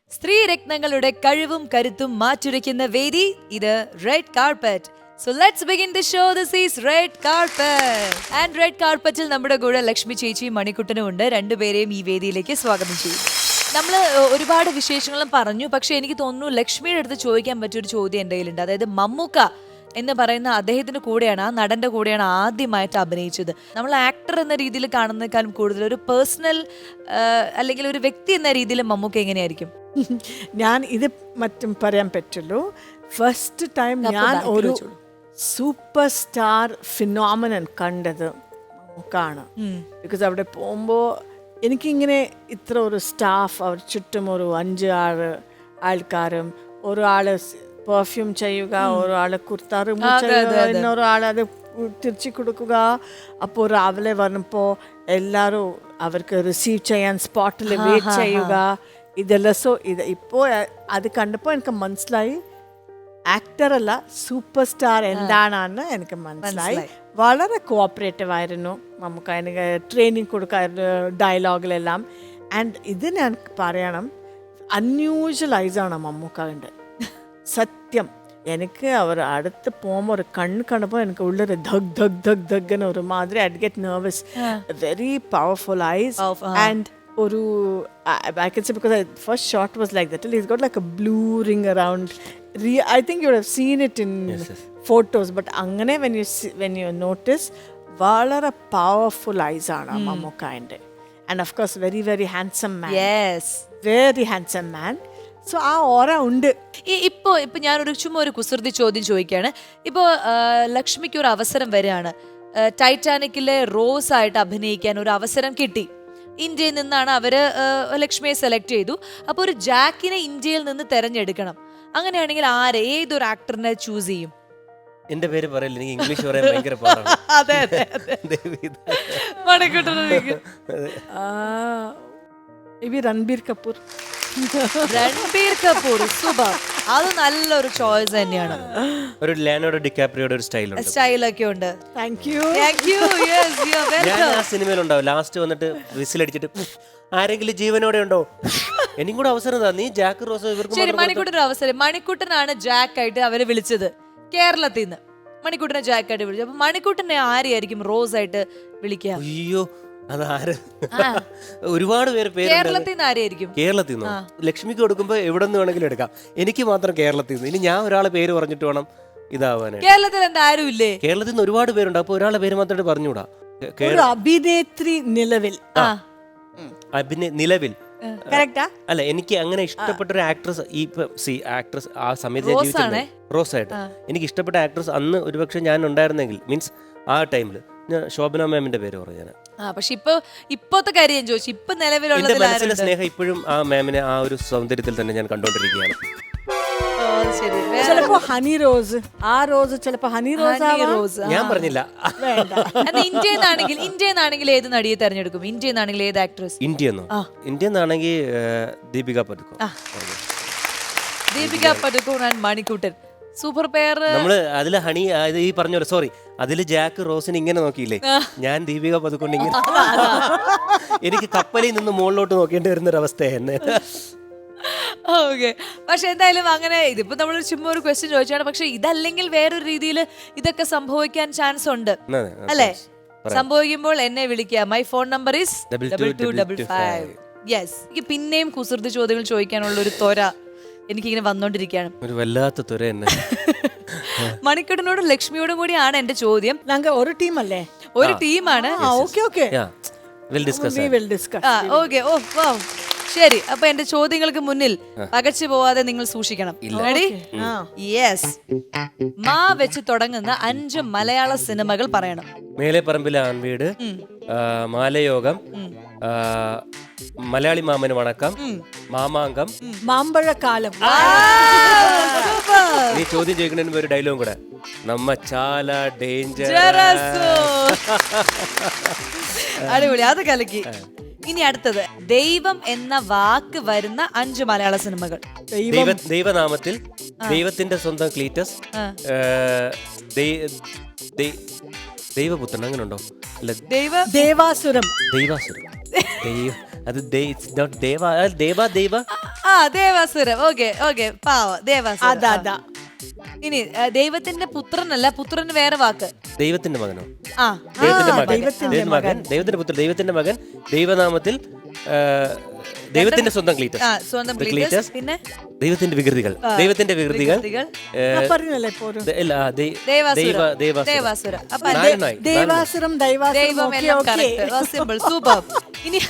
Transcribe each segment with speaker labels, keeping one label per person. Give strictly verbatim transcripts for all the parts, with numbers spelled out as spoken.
Speaker 1: സ്ത്രീരത്നങ്ങളുടെ കഴിവും കരുത്തും മാറ്റുരയ്ക്കുന്ന വേദി ഇത് red carpet. So let's begin the show. This is Red Carpet. And Red Carpetൽ നമ്മുടെ കൂടെ ലക്ഷ്മി ചേച്ചിയും മണിക്കുട്ടനും ഉണ്ട്. രണ്ടുപേരെയും ഈ വേദിയിലേക്ക് സ്വാഗതം ചെയ്യും. നമ്മൾ ഒരുപാട് വിശേഷങ്ങളും പറഞ്ഞു, പക്ഷെ എനിക്ക് തോന്നുന്നു ലക്ഷ്മിയുടെ അടുത്ത് ചോദിക്കാൻ പറ്റിയൊരു ചോദ്യം എൻ്റെ കയ്യിലുണ്ട്. അതായത് മമ്മൂക്ക എന്ന് പറയുന്ന അദ്ദേഹത്തിന്റെ കൂടെയാണ്, ആ നടന്റെ കൂടെയാണ് ആദ്യമായിട്ട് അഭിനയിച്ചത്. നമ്മൾ ആക്ടർ എന്ന രീതിയിൽ കാണുന്നതിനേക്കാളും കൂടുതൽ ഒരു പേഴ്സണൽ അല്ലെങ്കിൽ ഒരു വ്യക്തി എന്ന രീതിയിൽ മമ്മൂക്ക എങ്ങനെയായിരിക്കും?
Speaker 2: ഞാൻ ഇത് മറ്റും പറയാൻ പറ്റുള്ളൂ. ഫസ്റ്റ് ടൈം ഞാൻ ഒരു സൂപ്പർ സ്റ്റാർ ഫിനോമിനൻ കണ്ടത് മമ്മൂക്കാണ്. ബിക്കോസ് അവിടെ പോകുമ്പോൾ എനിക്കിങ്ങനെ ഇത്ര ഒരു സ്റ്റാഫ്, അവർ ചുറ്റും ഒരു അഞ്ച് ആറ് ആൾക്കാരും, ഒരാള് പെർഫ്യൂം ചെയ്യുക, ഒരാള് കുർത്ത റിമൂവ് ചെയ്യുക, ഇന്നൊരാൾ അത് തിരിച്ചു കൊടുക്കുക. അപ്പോൾ രാവിലെ വരുമ്പോൾ എല്ലാവരും അവർക്ക് റിസീവ് ചെയ്യാൻ സ്പോട്ടിൽ വെയിറ്റ് ചെയ്യുക. ഇതെല്ലാം സോ ഇത് ഇപ്പോൾ അത് കണ്ടപ്പോൾ എനിക്ക് മനസ്സിലായി ആക്ടർ അല്ല സൂപ്പർ സ്റ്റാർ എന്താണെന്ന് എനിക്ക് മനസ്സിലായി. വളരെ കോഓപ്പറേറ്റീവ് ആയിരുന്നു നമുക്ക്. എനിക്ക് ട്രെയിനിങ് കൊടുക്കായിരുന്നു ഡയലോഗിലെല്ലാം. ആൻഡ് ഇത് ഞാൻ പറയണം, അൺയൂഷ്വലൈസാണ് മമ്മൂക്കാവിൻ്റെ സത്യം. എനിക്ക് അവർ അടുത്ത് പോകുമ്പോൾ ഒരു കണ്ണ് കണ്ടപ്പോൾ എനിക്ക് ഉള്ളൊരു ധഗ് ധഗ് ധഗ് ധഗ് ഒരു മാതിരി I get nervous. Very powerful eyes and ഒരു I can say because the first shot was like that. He's got like a blue ring around. Re- I think you would have seen it in yes, yes. photos. But angane when you see, when you notice, valara powerful eyes aana mm. Mamukka inde. And of course very very handsome man.
Speaker 1: Yes.
Speaker 2: Very handsome man. So ആ aura ഉണ്ട്.
Speaker 1: ഇപ്പോൾ ഇപ്പം ഞാനൊരു ചുമ്മാ ഒരു കുസൃതി ചോദ്യം ചോദിക്കുകയാണ്. ഇപ്പോൾ ലക്ഷ്മിക്ക് ഒരു അവസരം വരികയാണ്, ടൈറ്റാനിക്കിലെ റോസ് ആയിട്ട് അഭിനയിക്കാൻ ഒരു അവസരം കിട്ടി. ഇന്ത്യയിൽ നിന്നാണ് അവര് ലക്ഷ്മിയെ സെലക്ട് ചെയ്തു. അപ്പോൾ ഒരു ജാക്കിനെ ഇന്ത്യയിൽ നിന്ന് തെരഞ്ഞെടുക്കണം. അങ്ങനെയാണെങ്കിൽ ആരെ, ഏതൊരു ആക്ടറിനെ ചൂസ് ചെയ്യും?
Speaker 3: എന്റെ പേര് പറയില്ല, എനിക്ക് ഇംഗ്ലീഷ് പറയാൻ ഭയങ്കര പാടാണ്.
Speaker 1: അതെ അതെ
Speaker 2: രൺബീർ കപൂർ.
Speaker 1: രൺബീർ കപൂർ സൂപ്പർ. അത് നല്ലൊരു ചോയ്സ് തന്നെയാണ്.
Speaker 3: ഒരു ലിയോനാർഡോ ഡികാപ്രിയോയുടെ ഒരു സ്റ്റൈൽ ഉണ്ട്,
Speaker 1: സ്റ്റൈലൊക്കെ ഉണ്ട്.
Speaker 2: Thank you
Speaker 1: thank you. Yes you are welcome.
Speaker 3: ഞാൻ ആ സിനിമയിലുണ്ടാവും. ലാസ്റ്റ് വന്നിട്ട് വിസിലടിച്ചിട്ട് ആരെങ്കിലും ജീവനോടെ ഉണ്ടോ, എനിക്കും കൂടെ അവസരം താ, നീ ജാക്ക് റോസോ ഇവർക്ക്.
Speaker 1: ശരി, മണിക്കൂട്ടൻ അവസരം. മണിക്കൂട്ടനാണ് ജാക്ക് ആയിട്ട് അവരെ വിളിച്ചത് കേരളത്തിൽ നിന്ന്. മണിക്കൂട്ടനെ ജാക്ക് ആയിട്ട് വിളിച്ചു. അപ്പൊ മണിക്കൂട്ടനെ ആരെയായിരിക്കും റോസ് ആയിട്ട് വിളിക്കുക?
Speaker 3: അയ്യോ അതാര്, ഒരുപാട് പേര് പേര്
Speaker 1: കേരളത്തിൽ നിന്ന് ആരെയായിരിക്കും?
Speaker 3: കേരളത്തിൽ നിന്നോ? ലക്ഷ്മിക്ക് കൊടുക്കുമ്പോ എവിടെ നിന്ന് വേണമെങ്കിലും എടുക്കാം, എനിക്ക് മാത്രം കേരളത്തിൽ നിന്ന്. ഇനി ഞാൻ ഒരാളെ പേര് പറഞ്ഞിട്ട് വേണം ഇതാവാനായിട്ട്.
Speaker 1: കേരളത്തിൽ എന്താ ആരും ഇല്ലേ?
Speaker 3: കേരളത്തിൽ നിന്ന് ഒരുപാട് പേരുണ്ട്, അപ്പൊ ഒരാളെ പേര് മാത്രമായിട്ട് പറഞ്ഞുകൂടാ.
Speaker 2: അഭിനേത്രി നിലവിൽ
Speaker 3: അഭിനയ നിലവിൽ അല്ല, എനിക്ക് അങ്ങനെ ഇഷ്ടപ്പെട്ട ഒരു ആക്ട്രസ് ഈ സി ആക്ട്രസ് ആ സമയത്ത് റോസ് ആയിട്ട് എനിക്ക് ഇഷ്ടപ്പെട്ട ആക്ട്രസ് അന്ന് ഒരുപക്ഷെ ഞാൻ ഉണ്ടായിരുന്നെങ്കിൽ, മീൻസ് ആ ടൈമില് ഞാൻ ശോഭന മാമിന്റെ പേര് പറഞ്ഞു. ഞാൻ
Speaker 1: പക്ഷെ ഇപ്പൊ ഇപ്പോഴത്തെ കാര്യം ഞാൻ ചോദിച്ചു, ഇപ്പൊ നിലവിലുള്ള
Speaker 3: മനസ്സിലെ സ്നേഹം ഇപ്പോഴും ആ മാമിനെ ആ ഒരു സൗന്ദര്യത്തിൽ തന്നെ ഞാൻ കണ്ടോണ്ടിരിക്കുകയാണ്.
Speaker 2: ചിലപ്പോ ഹണി റോസ്, ആ റോസ് ചിലപ്പോ ഹണി റോസ്.
Speaker 3: ഞാൻ പറഞ്ഞില്ല.
Speaker 1: ഇന്ത്യയിൽ നിന്നാണെങ്കിൽ ഇന്ത്യയിൽ നിന്നാണെങ്കിൽ ഏത് നടിയെ തെരഞ്ഞെടുക്കും? ഇന്ത്യയിൽ നിന്നാണെങ്കിൽ ഏത് ആക്ട്രസ്?
Speaker 3: ഇന്ത്യന്നോ? ഇന്ത്യയിൽ നിന്നാണെങ്കിൽ Deepika Padukone.
Speaker 1: Deepika Padukone and Manikuttan super pair.
Speaker 3: നമ്മള് അതില് ഹണി ഈ പറഞ്ഞ പോലെ, സോറി, അതില് ജാക്ക് റോസിന് ഇങ്ങനെ നോക്കിയില്ലേ, ഞാൻ ദീപിക പദുക്കോൺ ഇങ്ങനെ. എനിക്ക് കപ്പലിൽ നിന്ന് മുകളിലോട്ട് നോക്കേണ്ടി വരുന്നൊരവസ്ഥയാണ്.
Speaker 1: ഓക്കെ, പക്ഷെ എന്തായാലും അങ്ങനെ ഇതിപ്പോ നമ്മൾ ചുമ്മാ ഒരു ക്വസ്റ്റ്യൻ ചോദിച്ചാണ്. പക്ഷെ ഇതല്ലെങ്കിൽ വേറൊരു രീതിയിൽ ഇതൊക്കെ സംഭവിക്കാൻ ചാൻസ് ഉണ്ട് അല്ലേ? സംഭവിക്കുമ്പോൾ എന്നെ വിളിക്കുക. My phone number is double two double five. Yes, എനിക്ക് പിന്നെയും കുസൃതി ചോദ്യങ്ങൾ ചോദിക്കാനുള്ള ഒരു ത്വര എനിക്കിങ്ങനെ വന്നോണ്ടിരിക്കുകയാണ്.
Speaker 3: ഒരു വല്ലാത്ത ത്വര തന്നെ.
Speaker 1: മണിക്കൂട്ടനോടും ലക്ഷ്മിയോടും കൂടിയാണ് എന്റെ ചോദ്യം.
Speaker 2: ഞങ്ങൾ ഒരു ടീമല്ലേ?
Speaker 1: ഒരു ടീമാണ്.
Speaker 2: ഓക്കെ ഓക്കെ
Speaker 1: ഓക്കെ ഓ വാ ശരി. അപ്പൊ എന്റെ ചോദ്യങ്ങൾക്ക് മുന്നിൽ പകച്ചു പോവാതെ നിങ്ങൾ സൂക്ഷിക്കണം. യെസ്, മാ വെച്ച് തുടങ്ങുന്ന അഞ്ച് മലയാള സിനിമകൾ പറയണം.
Speaker 3: മേലെ പറമ്പിലെ ആൺവീട്, മാലയോഗം, മലയാളി മാമന് വണക്കം, മാമാങ്കം,
Speaker 2: മാമ്പഴക്കാലം.
Speaker 3: നീ ചോദ്യം ചോദിക്കുന്നതിന് ഒരു ഡയലോഗും കൂടെ, നമ്മ ചാല ഡേഞ്ചർ.
Speaker 1: അടിപൊളി, അത് കലക്കി. ഇനി അടുത്തത്, ദൈവം എന്ന വാക്ക് വരുന്ന അഞ്ച് മലയാള സിനിമകൾ.
Speaker 3: ദൈവനാമത്തിൽ, ദൈവത്തിന്റെ സ്വന്തം ക്ലീറ്റസ്, ദൈവപുത്രൻ, അങ്ങനെ ഉണ്ടോ?
Speaker 1: ദൈവ
Speaker 2: ദേവാസുരം.
Speaker 3: ദൈവാസുരം. അത് നോട്ട് ദേവ ദേവ ദേവ
Speaker 1: ആ ദേവാസുരം. ഓക്കെ ഓക്കെ പാവ ദേവാസുരം.
Speaker 2: അതാ അതാ
Speaker 1: ഇനി ആ, ദൈവത്തിന്റെ പുത്രനല്ല, പുത്രന് വേറെ വാക്ക്.
Speaker 3: ദൈവത്തിന്റെ മകനോ?
Speaker 1: ആ
Speaker 3: ദൈവത്തിന്റെ മകൻ,
Speaker 2: ദൈവത്തിന്റെ
Speaker 3: ദൈവത്തിന്റെ മകൻ, ദൈവത്തിന്റെ പുത്രൻ, ദൈവത്തിന്റെ മകൻ, ദൈവനാമത്തിൽ ആ, ദൈവത്തിന്റെ സ്വന്തം ക്ലീറ്റസ്,
Speaker 1: ആ, സ്വന്തം
Speaker 3: The
Speaker 1: ക്ലീറ്റസ്.
Speaker 3: ക്ലീറ്റസ്,
Speaker 1: പിന്നെ
Speaker 3: ദൈവത്തിന്റെ വികൃതികൾ, ദൈവത്തിന്റെ വികൃതികൾ,
Speaker 1: വികൃതികൾ.
Speaker 3: ഏ,
Speaker 2: ഞാൻ പറഞ്ഞല്ലേ ഇപ്പൊ ഒരു
Speaker 3: ദ- ഇല്ല, ആ, ദൈ-
Speaker 1: ദേവാസുരം.
Speaker 3: ദൈവ ദേവാസുരം.
Speaker 1: ദേവാസുരം. അപ്പൊ
Speaker 3: നാരായണായി, നാരായണായി.
Speaker 2: ദേവാസുരം ദൈവാസുരം
Speaker 1: ദൈവം
Speaker 2: ഓക്കെ
Speaker 1: എല്ലാം
Speaker 2: ഓക്കെ
Speaker 1: കറക്റ്റ്. Simple, super. ഇനി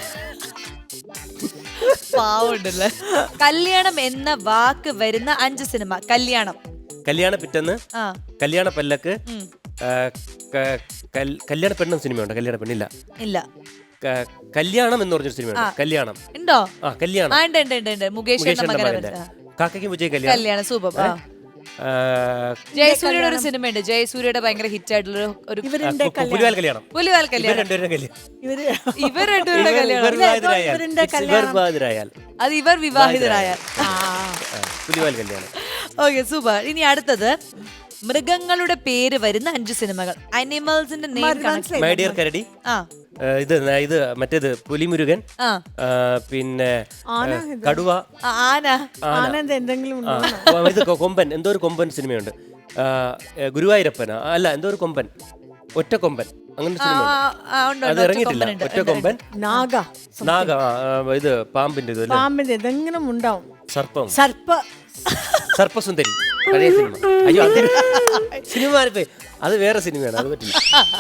Speaker 1: പാവുണ്ടല്ലേ. കല്യാണം എന്ന വാക്ക് വരുന്ന അഞ്ച് സിനിമ. കല്യാണം,
Speaker 3: കല്യാണ പിറ്റന്ന്,
Speaker 1: ആ
Speaker 3: കല്യാണ പല്ലക്ക്, ആ, ക- കൽ- കല്യാണ പെണ്ണെന്ന സിനിമയുണ്ട്. കല്യാണ പെണ്ണില്ല,
Speaker 1: ഇല്ല.
Speaker 3: ക- കല്യാണം എന്ന് പറഞ്ഞൊരു സിനിമയുണ്ട്. കല്യാണം,
Speaker 1: ഉണ്ടോ?
Speaker 3: ആ കല്യാണം,
Speaker 1: ആ ഉണ്ട് ഉണ്ട് ഉണ്ട് ഉണ്ട്. മുകേഷ് എന്ന
Speaker 3: മുകേഷിന്റെ
Speaker 1: മകനെ
Speaker 3: മകന്റെ
Speaker 1: വെച്ച്.
Speaker 3: കാക്കയ്ക്കും വിജയ് കല്യാണം.
Speaker 1: കല്യാണം സൂപ്പർ. ആ
Speaker 3: ആ,
Speaker 1: ജയസൂര്യയുടെ ഒരു സിനിമയുണ്ട്. ജയസൂര്യയുടെ ഭയങ്കര ഹിറ്റ് ആയിട്ടുള്ള ഒരു
Speaker 2: ഇവരുടെ
Speaker 3: കു- പുലിവാൽ കല്യാണം.
Speaker 1: പുലിവാൽ
Speaker 3: ഇവർ
Speaker 1: കല്യാണം.
Speaker 3: രണ്ടുപേരുടെ കല്യാണം.
Speaker 2: ഇവര്
Speaker 1: ഇവർ രണ്ടുപേരുടെ
Speaker 3: ഇവർ
Speaker 1: കല്യാണം.
Speaker 3: വിവാഹിതരായാൽ,
Speaker 2: ഇവരുടെ
Speaker 3: It's ഇവർ വിവാഹിതരായാൽ,
Speaker 1: അത് ഇവർ വിവാഹിതരായ.
Speaker 3: ആ, പുലിവാൽ കല്യാണം.
Speaker 1: Okay super. ഇനി അടുത്തത് മൃഗങ്ങളുടെ പേര് വരുന്ന അഞ്ച് സിനിമകൾ. അനിമൽസിന്റെ name connect.
Speaker 3: My dear Karadi,
Speaker 1: ആ
Speaker 3: ആ, ഇത് ന- ഇത് മറ്റേത് പുലിമുരുകൻ,
Speaker 1: ആ
Speaker 3: ആ, പിന്നെ
Speaker 2: ആന
Speaker 3: ആ, കടുവ,
Speaker 1: ആ, ആന.
Speaker 2: ആനന്ദ് എന്തെങ്കിലും
Speaker 3: ആ,
Speaker 2: ഉണ്ടോ
Speaker 3: ഇത് കൊ- കൊമ്പൻ, എന്തോ ഒരു കൊമ്പൻ സിനിമയുണ്ട്. ആ, ഏ, ഗുരുവായൂരപ്പന അല്ല, എന്തോ ഒരു കൊമ്പൻ, ഒറ്റ കൊമ്പൻ, അങ്ങനെ ഒരു
Speaker 1: ആ,
Speaker 3: സിനിമയുണ്ട്.
Speaker 1: ആ, ഉണ്ട്,
Speaker 3: അത്
Speaker 1: ഉണ്ട്.
Speaker 3: ഇറങ്ങിയിട്ടില്ല.
Speaker 1: ഒറ്റക്കൊമ്പനുണ്ട്.
Speaker 3: ഒറ്റ കൊമ്പൻ,
Speaker 2: നാഗ
Speaker 3: നാഗ, ആ, ആ, ഇത് പാമ്പിന്റെ ഇത് അല്ലേ?
Speaker 2: പാമ്പിന്റെ എന്തെങ്കിലും ഉണ്ടാവും
Speaker 3: സർപ്പം,
Speaker 2: സർപ്പ
Speaker 3: സർപ്പസുന്ദരി, പഴയ സിനിമ. അയ്യോ അത് സിനിമ ആരപ്പേ? അത് വേറെ സിനിമയാണ്, അത് പറ്റില്ല.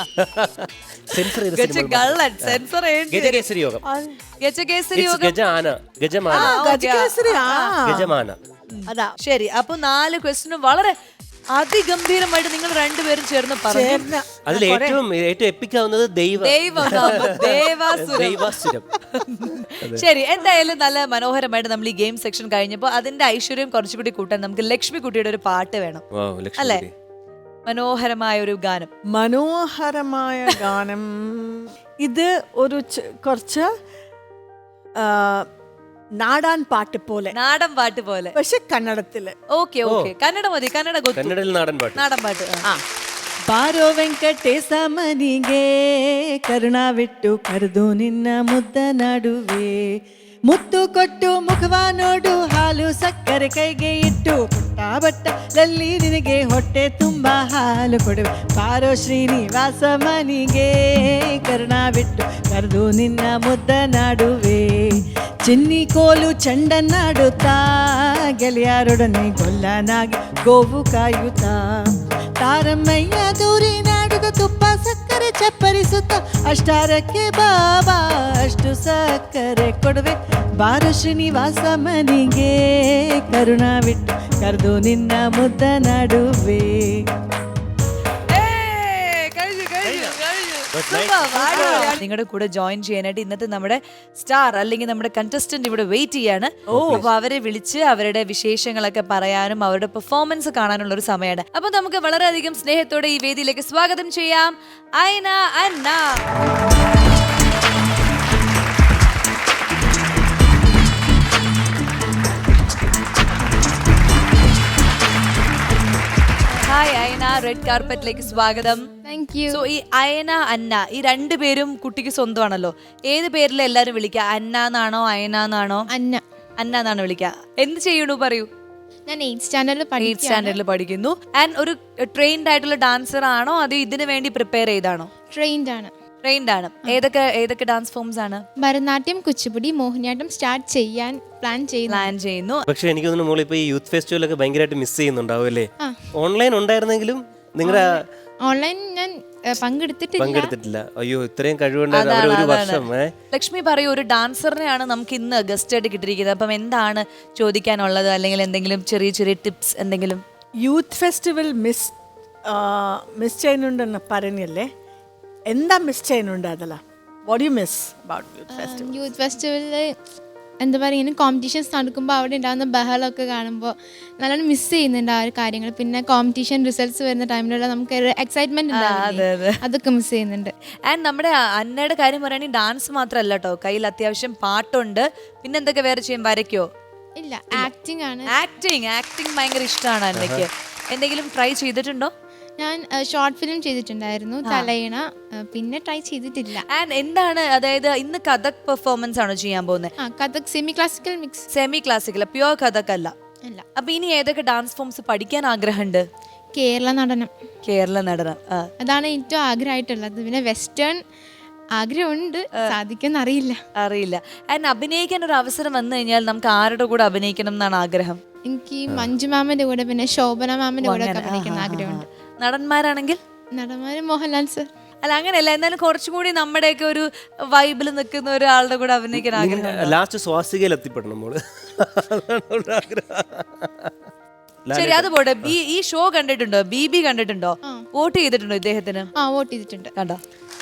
Speaker 3: സെൻസർ ചെയ്ത
Speaker 1: ഗജ
Speaker 3: സിനിമ.
Speaker 1: ഗള്ളൻ സെൻസർ
Speaker 3: ഗജകേസരി യോഗം,
Speaker 1: ഗജകേസരി
Speaker 3: It's
Speaker 1: യോഗം.
Speaker 3: ഗജാന, ഗജമാന,
Speaker 1: ആ, ഓക്കേ.
Speaker 2: ഗജകേസരി ആ
Speaker 3: ഗജമാന.
Speaker 2: അതാ
Speaker 1: ശരി. അപ്പൊ നാല് ക്വസ്റ്റിനും വളരെ അതിഗംഭീരമായിട്ട് നിങ്ങൾ രണ്ടുപേരും ചേർന്ന് പറഞ്ഞു.
Speaker 2: ചേർന്ന
Speaker 3: അതിൽ ഏറ്റവും ഏറ്റവും എപ്പിക്കാവുന്നത് ദൈവ
Speaker 1: ദൈവം ദേവാസുരം.
Speaker 3: ദൈവാസുരം.
Speaker 1: ശരി, എന്തായാലും നല്ല മനോഹരമായിട്ട് നമ്മൾ ഈ ഗെയിം സെക്ഷൻ കഴിഞ്ഞപ്പോൾ അതിന്റെ ഐശ്വര്യം കുറച്ചുകൂടി കൂട്ടാൻ നമുക്ക് ലക്ഷ്മി കുട്ടിയുടെ ഒരു പാട്ട് വേണം.
Speaker 3: Wow, ലക്ഷ്മി
Speaker 1: അല്ലേ?
Speaker 3: കുട്ടി.
Speaker 1: മനോഹരമായ ഒരു ഗാനം.
Speaker 2: മനോഹരമായ ഗാനം ഇത് ഒരു ച- കുറച്ച് ആ, നാടാൻ പാട്ട് പോലെ
Speaker 1: നാടൻ പാട്ട് പോലെ.
Speaker 2: പക്ഷെ കന്നഡത്തില്
Speaker 1: ഓക്കെ ഓക്കെ. കന്നഡ മതി, കന്നഡ ಗೊತ್ತು.
Speaker 3: കന്നഡയിൽ നാടൻ പാട്ട്.
Speaker 1: നാടൻ പാട്ട്. ആ.
Speaker 2: ಆ ಬಾರೋ ವೆಂಕಟೇಶ ಮನಿಗೆ ಕರುಣಾವಿಟ್ಟು ಕರೆದು ನಿನ್ನ ಮುದ್ದ ನಡುವೆ ಮುತ್ತು ಕೊಟ್ಟು ಮುಖವ ನೋಡು ಹಾಲು ಸಕ್ಕರೆ ಕೈಗೆ ಇಟ್ಟು ಪುಟ್ಟ ಬಟ್ಟಲಲ್ಲಿ ನಿನಗೆ ಹೊಟ್ಟೆ ತುಂಬ ಹಾಲು ಕೊಡುವೆ ಬಾರೋ ಶ್ರೀನಿವಾಸ ಮನಿಗೆ ಕರುಣಾವಿಟ್ಟು ಕರೆದು ನಿನ್ನ ಮುದ್ದ ನಡುವೆ ಚಿನ್ನಿ ಕೋಲು ಚೆಂಡನ್ನಾಡುತ್ತಾ ಗೆಳೆಯರೊಡನೆ ಗೊಲ್ಲನಾಗಿ ಗೋವು ಕಾಯುತ್ತಾ ತಾರಮ್ಮಯ್ಯ ದೂರಿ ನಾಡುಗ ತುಪ್ಪ ಸಕ್ಕರೆ ಚಪ್ಪರಿಸುತ್ತ ಅಷ್ಟಾರಕ್ಕೆ ಬಾಬಾ ಅಷ್ಟು ಸಕ್ಕರೆ ಕೊಡುವೆ ಬಾರು ಶ್ರೀನಿವಾಸ ಮನಿಗೆ ಕರುಣಾವಿಟ್ಟು ಕರೆದು ನಿನ್ನ ಮುದ್ದ ನಡುವೆ
Speaker 1: നിങ്ങളുടെ കൂടെ ജോയിൻ ചെയ്യാനായിട്ട് ഇന്നത്തെ നമ്മുടെ സ്റ്റാർ അല്ലെങ്കിൽ നമ്മുടെ കണ്ടസ്റ്റന്റ് ഇവിടെ വെയിറ്റ് ചെയ്യാണ്. അപ്പൊ അവരെ വിളിച്ച് അവരുടെ വിശേഷങ്ങളൊക്കെ പറയാനും അവരുടെ പെർഫോമൻസ് കാണാനുള്ള ഒരു സമയമാണ്. അപ്പൊ നമുക്ക് വളരെയധികം സ്നേഹത്തോടെ ഈ വേദിയിലേക്ക് സ്വാഗതം ചെയ്യാം ഐന അന്ന. ഹായ് അയന, റെഡ് കാർപ്പറ്റിലേക്ക് സ്വാഗതം.
Speaker 4: Thank U.
Speaker 1: സോ ഈ അയന അന്ന ഈ രണ്ടുപേരും കുട്ടിക്ക് സ്വന്തമാണല്ലോ. ഏത് പേരിൽ എല്ലാരും വിളിക്കുക? അന്ന എന്നാണോ അയന എന്നാണോ?
Speaker 4: അന്ന.
Speaker 1: അന്ന എന്നാണ് വിളിക്കുക. എന്ത് ചെയ്യണു പറയൂ?
Speaker 4: ഞാൻ എയ്ത്ത് സ്റ്റാൻഡേർഡിൽ
Speaker 1: എയ്ത്ത് സ്റ്റാൻഡേർഡിൽ പഠിക്കുന്നു. ആൻഡ് ഒരു ട്രെയിൻഡ് ആയിട്ടുള്ള ഡാൻസർ ആണോ അത് ഇതിനു വേണ്ടി പ്രിപ്പയർ ചെയ്താണോ?
Speaker 4: ട്രെയിൻഡ് ആണ്.
Speaker 1: ട്രെയിൻഡ് ആണ്. ഏതൊക്കെ ഏതൊക്കെ ഡാൻസ് ഫോംസ് ആണ്
Speaker 4: ഭരതനാട്യം, കുച്ചിപ്പുടി, മോഹിനിയാട്ടം സ്റ്റാർട്ട് ചെയ്യാൻ പ്ലാൻ ചെയ്യുന്നു.
Speaker 1: പ്ലാൻ ചെയ്യുന്നു?
Speaker 3: പക്ഷെ എനിക്ക് തോന്നുന്നു മോൾ ഇപ്പൊ ഈ യൂത്ത് ഫെസ്റ്റിവലൊക്കെ ഭയങ്കരമായിട്ട് മിസ് ചെയ്യുന്നുണ്ടാവും അല്ലേ?
Speaker 4: ആ.
Speaker 3: ഓൺലൈൻ ഉണ്ടായിരുന്നെങ്കിലും നിങ്ങളുടെ
Speaker 4: ഓൺലൈൻ ഞാൻ ഏ, പങ്കെടുത്തിട്ടില്ല.
Speaker 3: പങ്കെടുത്തിട്ടില്ല. അയ്യോ ഇത്രയും കഴിവുണ്ടായിരുന്നു അവർ ഒരു വർഷം. ഏ
Speaker 1: ലക്ഷ്മി പറയൂ, ഒരു ഡാൻസറിനെയാണ് നമുക്ക് ഇന്ന് ഗസ്റ്റ് ആയിട്ട് കിട്ടിയിരിക്കുന്നത്. അപ്പം എന്താണ് ചോദിക്കാനുള്ളത്? അല്ലെങ്കിൽ എന്തെങ്കിലും ചെറിയ ചെറിയ ടിപ്സ് എന്തെങ്കിലും?
Speaker 2: യൂത്ത് ഫെസ്റ്റിവൽ മിസ് മിസ് ചെയ്യുന്നുണ്ടെന്ന് പറഞ്ഞല്ലേ, എന്താ മിസ് ചെയ്യുന്നുണ്ട്? അതല്ല what you miss about youth festival?
Speaker 4: Youth ഫെസ്റ്റിവലിൽ എന്താ പറയുക, ഇങ്ങനെ കോമ്പറ്റീഷൻസ് നടക്കുമ്പോൾ അവിടെ ഉണ്ടാകുന്ന ബഹളമൊക്കെ കാണുമ്പോൾ നല്ലോണം മിസ് ചെയ്യുന്നുണ്ട് ആ ഒരു കാര്യങ്ങൾ. പിന്നെ കോമ്പറ്റീഷൻ റിസൾട്ട്സ് വരുന്ന ടൈമിലുള്ള നമുക്ക് ഒരു എക്സൈറ്റ്മെന്റ് ഉണ്ടാവില്ലേ, അതൊക്കെ മിസ് ചെയ്യുന്നുണ്ട്.
Speaker 1: ആൻഡ് നമ്മുടെ അന്നയുടെ കാര്യം പറയുകയാണെങ്കിൽ ഡാൻസ് മാത്രമല്ല കേട്ടോ, കയ്യിൽ അത്യാവശ്യം പാട്ടുണ്ട്. പിന്നെ എന്തൊക്കെ വേറെ ചെയ്യും? വരയ്ക്കോ?
Speaker 4: ഇല്ല, ആക്ടിങ് ആണ്.
Speaker 1: ആക്ടിങ് ആക്ടിങ് ഭയങ്കര ഇഷ്ടമാണ് അന്നയ്ക്ക്. എന്തെങ്കിലും ട്രൈ ചെയ്തിട്ടുണ്ടോ?
Speaker 4: ഞാൻ ഷോർട്ട് ഫിലിം ചെയ്തിട്ടുണ്ടായിരുന്നു തലയിണ, ആ, പിന്നെ ട്രൈ ചെയ്തിട്ടില്ല.
Speaker 1: ആൻഡ് എന്താണ്, അതായത് ഇന്ന് കഥക് പെർഫോമൻസ് ആണോ ചെയ്യാൻ പോകുന്നത്?
Speaker 4: ആ Kathak semi classical mix.
Speaker 1: Semi classical, pure Kathak അല്ല.
Speaker 4: അല്ല,
Speaker 1: അപ്പൊ ഇനി ഏതൊക്കെ ഡാൻസ് ഫോംസ് പഠിക്കാൻ ആഗ്രഹമുണ്ട്?
Speaker 4: കേരള നടനം,
Speaker 1: കേരള നടനം. ആ.
Speaker 4: അതാണ് ഏറ്റവും ആഗ്രഹമായിട്ടുള്ളത്. പിന്നെ വെസ്റ്റേൺ ആഗ്രഹമുണ്ട്, സാധിക്കുമെന്ന് അറിയില്ല.
Speaker 1: അറിയില്ല. ആൻഡ് അഭിനയിക്കാൻ ഒരു അവസരം വന്നു കഴിഞ്ഞാൽ നമുക്ക് ആരുടെ കൂടെ അഭിനയിക്കണം എന്നാണ് ആഗ്രഹം?
Speaker 4: എനിക്ക് മഞ്ജു മാമന്റെ കൂടെ പിന്നെ ശോഭന മാമന്റെ കൂടെ ഒക്കെ അഭിനയിക്കുന്ന ആഗ്രഹമുണ്ട്.
Speaker 1: നടന്മാരാണെങ്കിൽ
Speaker 4: നടന്മാര് മോഹൻലാൽ സർ.
Speaker 1: അല്ല അങ്ങനെയല്ല, എന്നാലും കുറച്ചും കൂടി നമ്മുടെയൊക്കെ ഒരു വൈബിൽ നിൽക്കുന്ന ഒരാളുടെ കൂടെ അഭിനയിക്കാൻ ആഗ്രഹം.
Speaker 3: ലാസ്റ്റ് സ്വാസികയിൽ എത്തിപ്പെടണം നമ്മള്.
Speaker 1: ശരി, അത് പോട്ടെ. ബി- ഈ ഷോ കണ്ടിട്ടുണ്ടോ? ബി ബി കണ്ടിട്ടുണ്ടോ? വോട്ട് ചെയ്തിട്ടുണ്ടോ ഇദ്ദേഹത്തിന്?
Speaker 4: ആ വോട്ട് ചെയ്തിട്ടുണ്ട്.
Speaker 1: കണ്ടോ?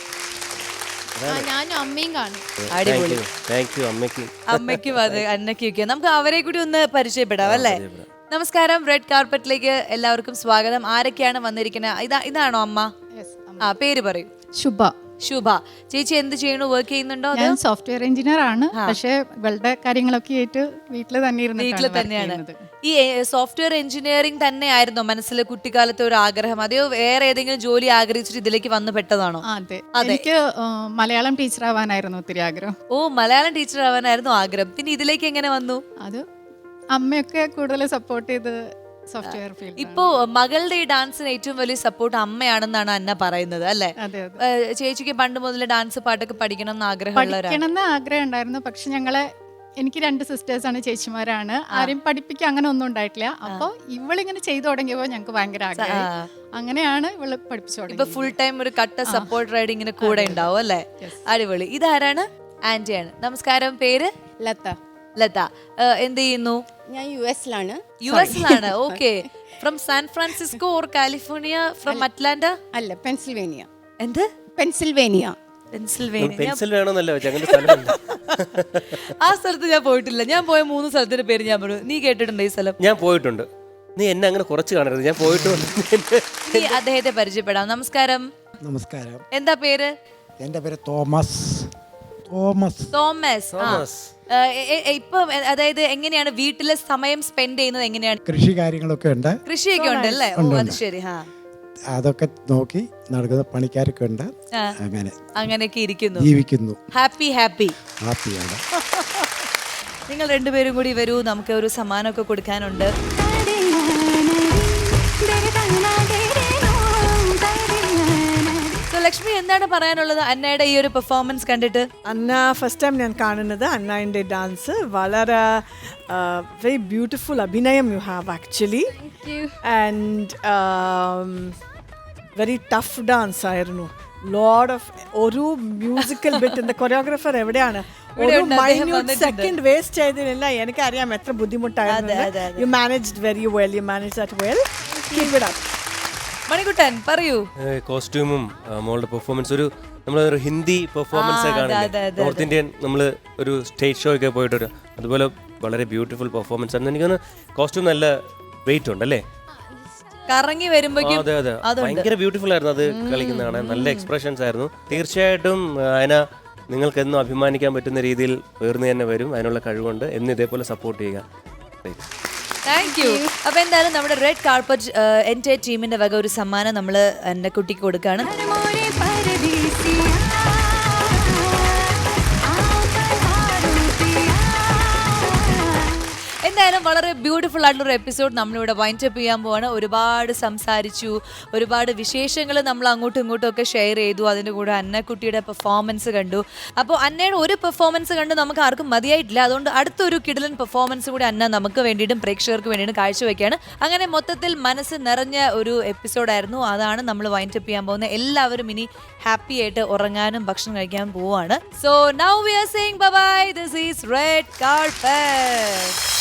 Speaker 4: ആ, ഞാനും അമ്മയും കാണും.
Speaker 1: അടിപൊളി.
Speaker 3: താങ്ക് യു അമ്മയ്ക്ക്.
Speaker 1: അമ്മയ്ക്കും അത് അന്നയ്ക്കും ഒക്കെ. നമുക്ക് അവരെ കൂടി ഒന്ന് പരിചയപ്പെടാം അല്ലേ? നമസ്കാരം, റെഡ് കാർപ്പറ്റിലേക്ക് എല്ലാവർക്കും സ്വാഗതം. ആരൊക്കെയാണ് വന്നിരിക്കുന്നത്? ഇതാ ഇതാണോ അമ്മ? ആ, പേര് പറയൂ.
Speaker 5: ശുഭ.
Speaker 1: ശുഭ ചേച്ചി എന്ത് ചെയ്യണു? വർക്ക് ചെയ്യുന്നുണ്ടോ?
Speaker 5: ഞാൻ സോഫ്റ്റ്വെയർ എഞ്ചിനീയർ ആണ്, പക്ഷേ ഇവളുടെ കാര്യങ്ങളൊക്കെ ആയിട്ട് വീട്ടിൽ തന്നെ
Speaker 1: വീട്ടിൽ തന്നെയാണ്. ഈ സോഫ്റ്റ്വെയർ എഞ്ചിനീയറിംഗ് തന്നെയായിരുന്നോ മനസ്സിൽ കുട്ടിക്കാലത്തെ ഒരു ആഗ്രഹം? അതെയോ വേറെ ഏതെങ്കിലും ജോലി ആഗ്രഹിച്ചിട്ട് ഇതിലേക്ക് വന്നു പെട്ടതാണോ?
Speaker 5: അതെ, എനിക്ക് ആ, മലയാളം ടീച്ചർ ആവാനായിരുന്നു ഒത്തിരി ആഗ്രഹം.
Speaker 1: ഓ, മലയാളം ടീച്ചർ ആവാനായിരുന്നു ആഗ്രഹം. പിന്നെ ഇതിലേക്ക് എങ്ങനെ വന്നു?
Speaker 5: അത് അമ്മയൊക്കെ കൂടുതൽ സപ്പോർട്ട് ചെയ്ത് സോഫ്റ്റ്വെയർ ഫീൽഡ്.
Speaker 1: ഇപ്പോ മകളുടെ ഈ ഡാൻസിന് ഏറ്റവും വലിയ സപ്പോർട്ട് അമ്മയാണെന്നാണ് അന്ന പറയുന്നത് അല്ലേ?
Speaker 5: അതെ അതെ,
Speaker 1: ഏഹ് ചേച്ചിക്ക് പണ്ട് മുതൽ ഡാൻസ് പാട്ടൊക്കെ പഠിക്കണം എന്ന് ആഗ്രഹമുള്ളവരാണ്?
Speaker 5: പഠിക്കണമെന്ന് ആഗ്രഹം ഉണ്ടായിരുന്നു, പക്ഷെ ഞങ്ങളെ എനിക്ക് രണ്ട് സിസ്റ്റേഴ്സ് ആണ്, ചേച്ചിമാരാണ്. ആരും പഠിപ്പിക്കാൻ അങ്ങനെ ഒന്നും ഉണ്ടായിട്ടില്ല. അപ്പൊ ഇവളിങ്ങനെ ചെയ്തു തുടങ്ങിയപ്പോ ഞങ്ങൾക്ക് ഭയങ്കര ആഗ്രഹം. അങ്ങനെയാണ് ഇവള് പഠിപ്പിച്ചു
Speaker 1: ഇപ്പൊ
Speaker 5: തുടങ്ങിയത്.
Speaker 1: ഫുൾ ടൈം ഒരു കട്ട സപ്പോർട്ട് റൈഡിങ്ങിന് കൂടെ ഉണ്ടാവും അല്ലേ? അടിപൊളി. ഇതാരാണ്? ആന്റിയാണ്. നമസ്കാരം, പേര്?
Speaker 6: ലത.
Speaker 1: ലത. ഏഹ് എന്ത് ചെയ്യുന്നു?
Speaker 6: ഞാൻ യു എസിലാണ്.
Speaker 1: യു എസിലാണ്. Okay. From San Francisco or California? From Atlanta?
Speaker 6: അല്ല, പെൻസിൽവേനിയ.
Speaker 1: എന്ത്?
Speaker 6: പെൻസിൽവേനിയ.
Speaker 1: പെൻസിൽവേനിയ.
Speaker 3: പെൻസിൽ വേണമെന്നല്ലോ ഞങ്ങളുടെ സ്ഥലമുണ്ട്.
Speaker 1: ആ സ്ഥലത്ത് ഞാൻ പോയിട്ടില്ല. ഞാൻ പോയ മൂന്ന് സ്ഥലത്തിന്റെ പേര് ഞാൻ പറഞ്ഞു. നീ കേട്ടിട്ടുണ്ടോ ഈ സ്ഥലം?
Speaker 3: ഞാൻ പോയിട്ടുണ്ട്. നീ എന്നെ അങ്ങനെ കുറച്ച് കാണരുത്, ഞാൻ പോയിട്ടുണ്ട്.
Speaker 1: നീ അദ്ദേഹത്തെ പരിചയപ്പെടാം. നമസ്കാരം.
Speaker 7: നമസ്കാരം.
Speaker 1: എന്താ പേര്?
Speaker 7: എൻ്റെ പേര് തോമസ്. തോമസ്.
Speaker 1: തോമസ്. ആ. ഏഹ് എ- എ- ഇപ്പൊ അതായത് എങ്ങനെയാണ് വീട്ടിലെ സമയം സ്പെൻഡ് ചെയ്യുന്നത്? എങ്ങനെയാണ്?
Speaker 7: കൃഷി കാര്യങ്ങളൊക്കെ ഉണ്ട്,
Speaker 1: കൃഷിയൊക്കെ ഉണ്ട് അല്ലേ? ഓ, അത് ശരി. ഹാ,
Speaker 7: അതൊക്കെ നോക്കി നടക്കുന്ന പണിക്കാരൊക്കെ ഉണ്ട്.
Speaker 1: ആ.
Speaker 7: അങ്ങനെ
Speaker 1: അങ്ങനെയൊക്കെ ഇരിക്കുന്നു.
Speaker 7: ജീവിക്കുന്നു.
Speaker 1: Happy happy.
Speaker 7: ഹാപ്പിയാണ്.
Speaker 1: നിങ്ങൾ രണ്ടുപേരും കൂടി വരൂ, നമുക്ക് ഒരു സമ്മാനമൊക്കെ കൊടുക്കാനുണ്ട്. So, ലക്ഷ്മി എന്താണ് പറയാനുള്ളത് അന്നയുടെ ഈ ഒരു പെർഫോമൻസ് കണ്ടിട്ട്?
Speaker 2: അന്ന ഫസ്റ്റ് ടൈം ഞാൻ കാണുന്നത് അന്നയുടെ ഡാൻസ്. വളരെ വെരി ബ്യൂട്ടിഫുൾ അഭിനയം you have actually. And very tough dance ആയിരുന്നു. ലോഡ് ഓഫ് ഒരു മ്യൂസിക്കൽ ബിറ്റ്. കൊറിയോഗ്രാഫർ എവിടെയാണ്? ഒരു മൈന്യൂട്ട് സെക്കൻഡ് വേസ്റ്റ് ചെയ്തതില്ല. എനിക്കറിയാം എത്ര ബുദ്ധിമുട്ടായിരുന്നു. You managed very well. You manage that well. Keep it up.
Speaker 1: Manikuttan പറയൂ.
Speaker 3: കോസ്റ്റ്യൂമും മോളുടെ പെർഫോമൻസ് ഒരു നമ്മളൊരു ഹിന്ദി പെർഫോമൻസ് കാണില്ലേ, നോർത്ത് ഇന്ത്യൻ നമ്മൾ ഒരു സ്റ്റേജ് ഷോ ഒക്കെ പോയിട്ട് അതുപോലെ വളരെ ബ്യൂട്ടിഫുൾ പെർഫോമൻസ് ആണ്. എനിക്കൊന്ന് കോസ്റ്റ്യൂം നല്ല വെയിറ്റ് ഉണ്ട് അല്ലേ?
Speaker 1: കറങ്ങി വരുമ്പോഴേക്കും
Speaker 3: അതെ അതെ, ഭയങ്കര ബ്യൂട്ടിഫുൾ ആയിരുന്നു അത് കളിക്കുന്നതാണ്. നല്ല എക്സ്പ്രഷൻസ് ആയിരുന്നു. തീർച്ചയായിട്ടും അതിന നിങ്ങൾക്ക് എന്നും അഭിമാനിക്കാൻ പറ്റുന്ന രീതിയിൽ ഉയർന്നു തന്നെ വരും. അതിനുള്ള കഴിവുണ്ട്. എന്നും ഇതേപോലെ സപ്പോർട്ട് ചെയ്യുക.
Speaker 1: Thank you. അപ്പൊ എന്തായാലും നമ്മുടെ റെഡ് കാർപ്പറ്റ് എൻ്റെ ടീമിന്റെ വക ഒരു സമ്മാനം നമ്മൾ എൻ്റെ കുട്ടിക്ക് കൊടുക്കുകയാണ്. എന്തായാലും വളരെ ബ്യൂട്ടിഫുൾ ആയിട്ടുള്ള ഒരു എപ്പിസോഡ് നമ്മളിവിടെ വൈൻഡ് അപ്പ് ചെയ്യാൻ പോവാണ്. ഒരുപാട് സംസാരിച്ചു, ഒരുപാട് വിശേഷങ്ങൾ നമ്മൾ അങ്ങോട്ടും ഇങ്ങോട്ടും ഒക്കെ ഷെയർ ചെയ്തു. അതിൻ്റെ കൂടെ അന്നക്കുട്ടിയുടെ പെർഫോമൻസ് കണ്ടു. അപ്പോൾ അന്നയുടെ ഒരു പെർഫോമൻസ് കണ്ട് നമുക്ക് ആർക്കും മതിയായിട്ടില്ല. അതുകൊണ്ട് അടുത്തൊരു കിടിലൻ പെർഫോമൻസ് കൂടി അന്ന നമുക്ക് വേണ്ടിയിട്ടും പ്രേക്ഷകർക്ക് വേണ്ടിയിട്ടും കാഴ്ചവെക്കുകയാണ്. അങ്ങനെ മൊത്തത്തിൽ മനസ്സ് നിറഞ്ഞ ഒരു എപ്പിസോഡായിരുന്നു. അതാണ് നമ്മൾ വൈൻഡ് അപ്പ് ചെയ്യാൻ പോകുന്നത്. എല്ലാവരും ഇനി ഹാപ്പി ആയിട്ട് ഉറങ്ങാനും ഭക്ഷണം കഴിക്കാൻ പോവാണ്. So now we are saying bye bye. This is red carpet.